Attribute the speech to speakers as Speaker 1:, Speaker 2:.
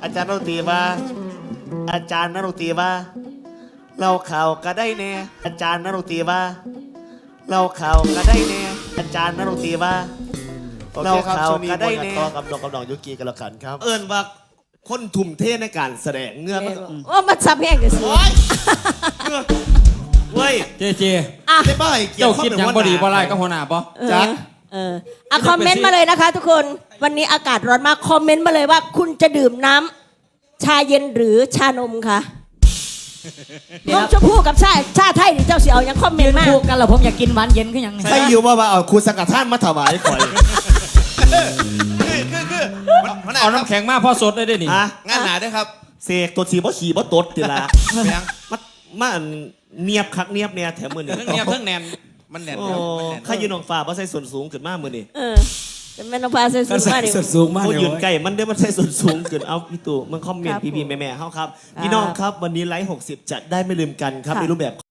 Speaker 1: อาจารย์นรุตรีว่าอาจารย์นรุตรีว่าเราข่าวก็ได้แน่อาจารย์นรุตรีว่าเราข่าวก็ได้แน่อาจารย์นรุตรีว่าเราข่าวก็ได้แน่กับดอกกับดอกยุกีกันแล้วกันครับเอิญว่าคนทุ่มเทในการแสดงเงือก
Speaker 2: ว่ามันซับแห้งกันสิ
Speaker 1: เว้ย
Speaker 3: เจเจ
Speaker 1: ได้บ่ายเกี่ย
Speaker 3: เจ้าว คิดหยังบ่ดีบ่ไรก็หัวหน้าบ่
Speaker 1: จัก
Speaker 2: คอมเมนต์มาเลยนะคะ ทุกคนวันนี้อากาศร้อนมากคอมเมนต์มาเลยว่าคุณจะดื่มน้ำชาเย็นหรือชานมคะนมชมพู่กับชาไทยนี่เจ้าเสียวยังคอมเมนต์มาก
Speaker 4: คู่กันแล้วผมอยากกินหวานเย็นขึ้นยัง
Speaker 1: ใครอยู่ว่าเอาครูสังกัดท่านมาถวายข่อย
Speaker 3: เอาน้ำแข็งมาพ่อสดได้ด้วยนี่
Speaker 5: งานหนาด้วยครับ
Speaker 1: เสกตัวสีบ่ขี่บ่ตดติละมันเนียบคักเนียบเนี่ยแถมมือนี่
Speaker 5: เพิ่งเนียบเพิ่งแนนมันแนน
Speaker 1: โอ้
Speaker 5: ครับ
Speaker 1: ข้ายืนน้องฟ้าบ่ใส่ส่วนสูงขึ้นมากมือนี่
Speaker 2: จะแม่นองฟ้าใส่สูงมากดิ
Speaker 3: สูงมาก
Speaker 1: เขา
Speaker 3: เลย
Speaker 1: ยืนใกล้มันได้มันใส่ส่วนสูงขึ้นเอาพี่ตู่มันคอมเมนต์พี่ๆแม่ๆเฮาครับพี่น้องครับวันนี้ไลฟ์60จัดได้ไม่ลืมกันครับในรูปแบบ